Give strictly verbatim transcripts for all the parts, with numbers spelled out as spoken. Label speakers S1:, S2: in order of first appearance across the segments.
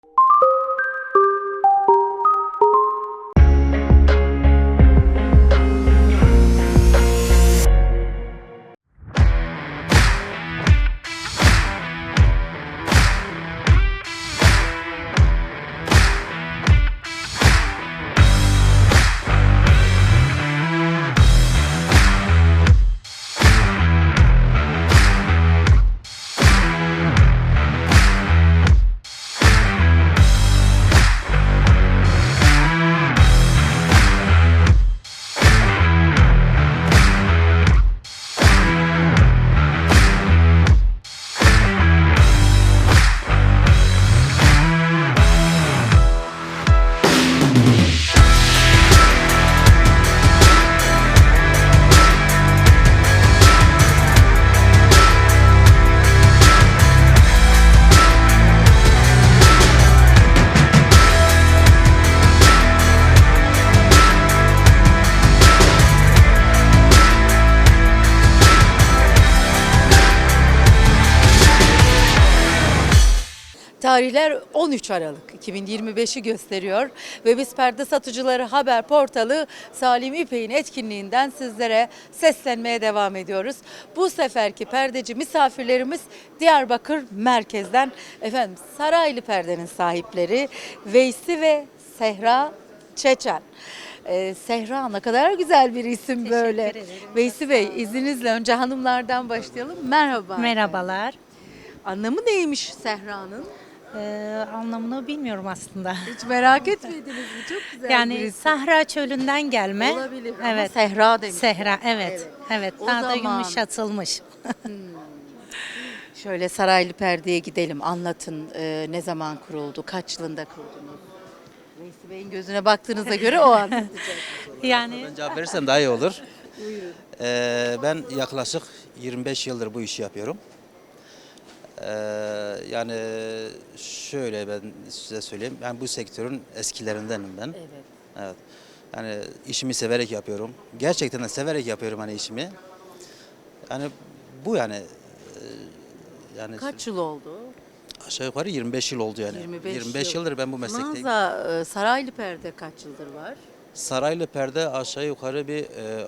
S1: Tarihler on üç Aralık iki bin yirmi beşi gösteriyor ve biz Perde Satıcıları Haber Portalı Salim İpek'in etkinliğinden sizlere seslenmeye devam ediyoruz. Bu seferki perdeci misafirlerimiz Diyarbakır merkezden efendim Saraylı Perde'nin sahipleri Veysi ve Sehra Çeçen. Ee, Sehra ne kadar güzel bir isim böyle.
S2: ederim.
S1: Veysi Bey izninizle önce hanımlardan başlayalım. Merhaba.
S2: Merhabalar.
S1: Anlamı neymiş Sehra'nın?
S2: Ee, anlamını bilmiyorum aslında.
S1: Hiç merak etmediniz mi? Çok güzel bir
S2: Yani
S1: isim.
S2: Sahra çölünden gelme.
S1: Olabilir ama
S2: Evet.
S1: Sehra demiş.
S2: Sehra, evet.
S1: Evet.
S2: Evet.
S1: O
S2: Daha da
S1: zaman-
S2: yumuşatılmış.
S1: Şöyle Saraylı Perde'ye gidelim. Anlatın e, ne zaman kuruldu, kaç yılında kurdunuz? Veysi Bey'in gözüne baktığınıza göre o anlatacak.
S2: Yani
S3: Ben cevap verirsem daha iyi olur. Ee, ben yaklaşık yirmi beş yıldır bu işi yapıyorum. Ee, yani şöyle ben size söyleyeyim. Ben bu sektörün eskilerindenim ben.
S1: Evet.
S3: Evet. Yani işimi severek yapıyorum. Gerçekten de severek yapıyorum hani işimi. Yani bu yani e, yani
S1: Kaç yıl oldu?
S3: aşağı yukarı yirmi beş yıl oldu yani.
S1: yirmi beş, yıl.
S3: yıldır ben bu meslekteyim.
S1: Mağaza e, Saraylı Perde kaç yıldır var?
S3: Saraylı Perde aşağı yukarı bir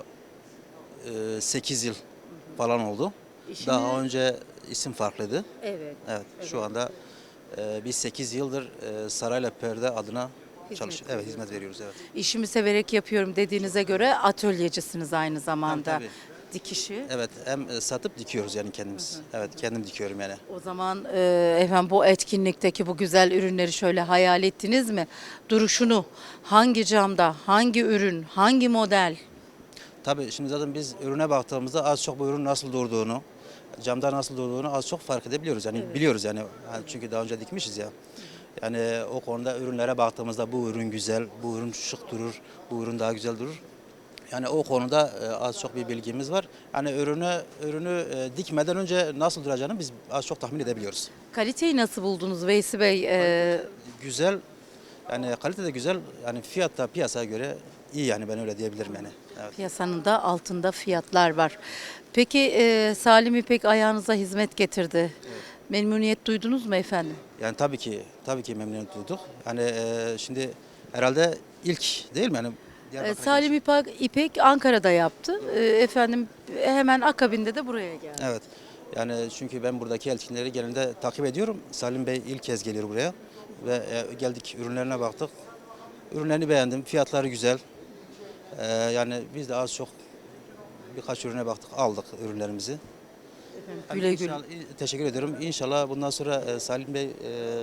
S3: e, e, sekiz yıl falan oldu.
S1: İşini-
S3: Daha önce isim farklıydı.
S1: Evet.
S3: Evet, şu anda e, biz sekiz yıldır e, Saraylı Perde adına çalışıyoruz. Evet, hizmet veriyoruz, evet.
S1: İşimi severek yapıyorum dediğinize göre atölyecisiniz aynı zamanda.
S3: Tabii,
S1: Dikişi.
S3: Evet, hem e, satıp dikiyoruz yani kendimiz. Evet, kendim dikiyorum yani.
S1: O zaman e, efendim bu etkinlikteki bu güzel ürünleri şöyle hayal ettiniz mi? Duruşunu hangi camda, hangi ürün, hangi model?
S3: Tabii şimdi zaten biz ürüne baktığımızda az çok bu ürün nasıl durduğunu, camda nasıl durduğunu az çok fark edebiliyoruz. Yani biliyoruz yani. Yani çünkü daha önce dikmişiz ya. Yani o konuda ürünlere baktığımızda bu ürün güzel, bu ürün şık durur, bu ürün daha güzel durur. Yani o konuda e, az çok bir bilgimiz var. Yani ürünü ürünü e, dikmeden önce nasıl duracağını biz az çok tahmin edebiliyoruz.
S1: Kaliteyi nasıl buldunuz Veysi Bey? E,
S3: Güzel, yani kalite de güzel. Yani fiyat da piyasaya göre iyi yani ben öyle diyebilirim yani. Evet.
S1: piyasanın da altında fiyatlar var. Peki e, Salim İpek ayağınıza hizmet getirdi. Memnuniyet duydunuz mu efendim?
S3: Yani tabii ki tabii ki memnuniyet duyduk. Hani e, şimdi herhalde ilk değil mi? Yani
S1: E,
S3: Diyarbakır'a
S1: Salim İpek, İpek Ankara'da yaptı. E, efendim hemen akabinde de buraya geldi.
S3: Evet. Yani çünkü ben buradaki etkinlikleri genelde takip ediyorum. Salim Bey ilk kez geliyor buraya ve e, geldik ürünlerine baktık. Ürünlerini beğendim. Fiyatları güzel. E, yani biz de az çok birkaç ürüne baktık, aldık ürünlerimizi. Yani
S1: Güle güle.
S3: inşallah- Teşekkür ediyorum. İnşallah bundan sonra e, Salim Bey e,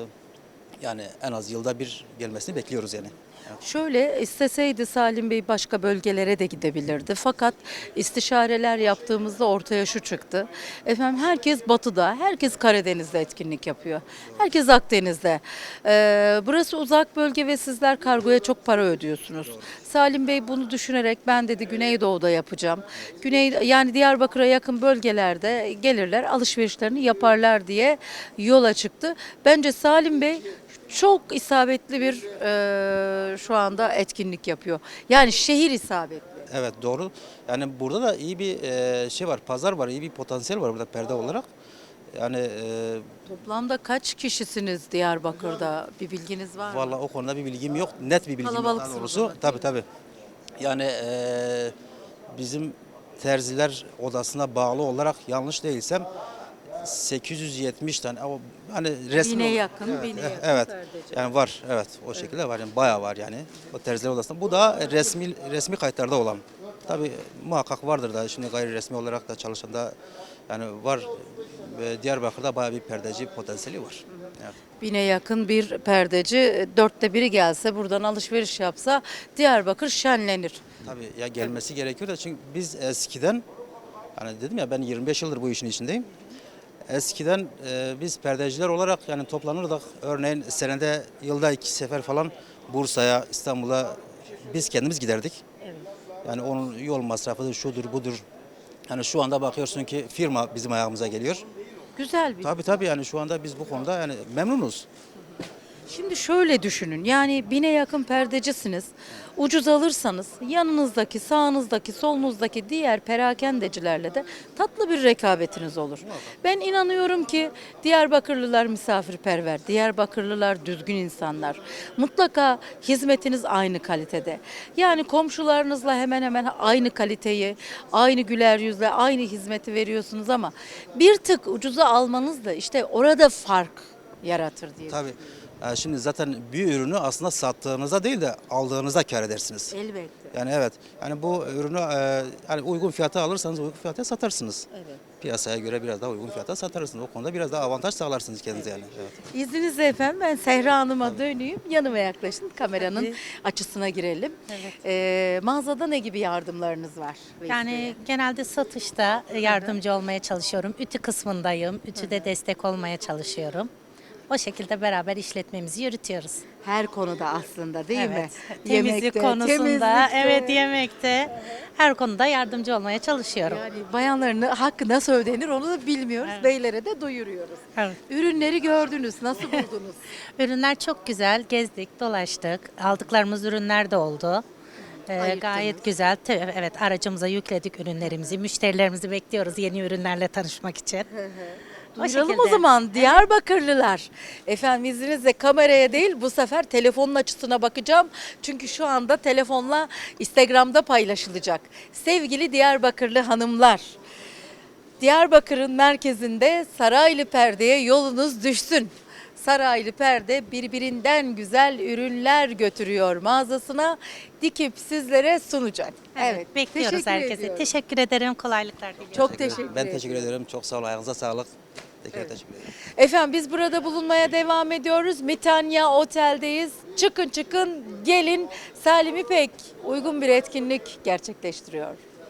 S3: yani en az yılda bir gelmesini bekliyoruz yani. Evet.
S1: Şöyle isteseydi Salim Bey başka bölgelere de gidebilirdi. Fakat istişareler yaptığımızda ortaya şu çıktı. Efendim herkes batıda, herkes Karadeniz'de etkinlik yapıyor. Herkes Akdeniz'de. Ee, burası uzak bölge ve sizler kargoya çok para ödüyorsunuz. Salim Bey bunu düşünerek ben dedi Güneydoğu'da yapacağım. Güney yani Diyarbakır'a yakın bölgelerde gelirler, alışverişlerini yaparlar diye yola çıktı. Bence Salim Bey çok isabetli bir e, şu anda etkinlik yapıyor. Yani şehir isabetli.
S3: Evet doğru. Yani burada da iyi bir e, şey var, pazar var, iyi bir potansiyel var burada perde olarak. Yani e,
S1: Toplamda kaç kişisiniz Diyarbakır'da? Bir bilginiz var mı?
S3: vallahi o konuda bir bilgim yok. Net bir bilgim yok daha
S1: Kalabalıksınız
S3: doğrusu.
S1: ama,
S3: Tabii tabii. Yani e, bizim terziler odasına bağlı olarak yanlış değilsem sekiz yüz yetmiş tane o hani resmi
S1: Bine
S3: olarak-
S1: yakın,
S3: evet,
S1: bine
S3: eh,
S1: yakın
S3: evet.
S1: perdeci.
S3: Yani var evet o şekilde var yani bayağı var yani o terziler odasında. Bu da resmi resmi kayıtlarda olan. Tabii muhakkak vardır da şimdi gayri resmi olarak da çalışan da yani var. Ve Diyarbakır'da bayağı bir perdeci potansiyeli var. Evet.
S1: Bine yakın bir perdeci, dörtte biri gelse buradan alışveriş yapsa Diyarbakır şenlenir.
S3: Tabii ya gelmesi gerekiyor da çünkü biz eskiden hani dedim ya ben yirmi beş yıldır bu işin içindeyim. Eskiden e, biz perdeciler olarak yani toplanırdık. Örneğin senede yılda iki sefer falan Bursa'ya, İstanbul'a biz kendimiz giderdik. Yani onun yol masrafıdır, şudur, budur. Yani şu anda bakıyorsun ki firma bizim ayağımıza geliyor.
S1: Güzel bir.
S3: Tabii tabii yani şu anda biz bu konuda yani memnunuz.
S1: Şimdi şöyle düşünün, yani bine yakın perdecisiniz. Ucuz alırsanız yanınızdaki, sağınızdaki, solunuzdaki diğer perakendecilerle de tatlı bir rekabetiniz olur. Ben inanıyorum ki Diyarbakırlılar misafirperver, Diyarbakırlılar düzgün insanlar. Mutlaka hizmetiniz aynı kalitede. Yani komşularınızla hemen hemen aynı kaliteyi, aynı güler yüzle, aynı hizmeti veriyorsunuz ama bir tık ucuza almanız da işte orada fark yaratır diye.
S3: Tabii. Yani şimdi zaten bir ürünü aslında sattığınızda değil de aldığınızda kâr edersiniz.
S1: Elbette.
S3: Yani evet. Yani bu ürünü e, yani uygun fiyata alırsanız uygun fiyata satarsınız.
S1: Evet.
S3: Piyasaya göre biraz daha uygun fiyata satarsınız. O konuda biraz daha avantaj sağlarsınız kendinize yani. Evet.
S1: İzninizle efendim ben Sehra Hanım'a döneyim. Yanıma yaklaşın. Kameranın
S2: Tabii.
S1: açısına girelim.
S2: Evet.
S1: Ee, mağazada ne gibi yardımlarınız var?
S2: Yani genelde satışta yardımcı olmaya çalışıyorum. Ütü kısmındayım. Ütüde destek olmaya çalışıyorum. O şekilde beraber işletmemizi yürütüyoruz.
S1: Her konuda aslında değil mi?
S2: Evet. Temizlik
S1: Yemekte,
S2: konusunda,
S1: temizlikte.
S2: evet yemekte her konuda yardımcı olmaya çalışıyorum.
S1: Yani bayanların hakkı nasıl ödenir onu da bilmiyoruz.
S2: Evet.
S1: Beylere de duyuruyoruz.
S2: Evet.
S1: Ürünleri gördünüz. Nasıl buldunuz?
S2: Ürünler çok güzel. Gezdik, dolaştık. Aldıklarımız ürünler de oldu. Ee,
S1: Ayıktınız.
S2: gayet güzel. Te- Evet, aracımıza yükledik ürünlerimizi. Müşterilerimizi bekliyoruz yeni ürünlerle tanışmak için. O
S1: Duyuralım o
S2: şekilde.
S1: zaman Diyarbakırlılar. Efendim izninizle kameraya değil bu sefer telefonun açısına bakacağım. Çünkü şu anda telefonla Instagram'da paylaşılacak. Sevgili Diyarbakırlı hanımlar. Diyarbakır'ın merkezinde Saraylı Perde'ye yolunuz düşsün. Saraylı Perde birbirinden güzel ürünler götürüyor mağazasına dikip sizlere sunacak.
S2: Evet, bekliyoruz
S1: teşekkür
S2: herkese.
S1: ediyorum.
S2: Teşekkür ederim. Kolaylıklar diliyorum.
S1: Çok teşekkür
S3: Ben
S1: ederim.
S3: teşekkür ederim. Çok sağ olun. Ayağınıza sağlık. Tekrar teşekkür ederim.
S1: Efendim biz burada bulunmaya devam ediyoruz. Mitanya Otel'deyiz. Çıkın çıkın gelin. Salim İpek uygun bir etkinlik gerçekleştiriyor.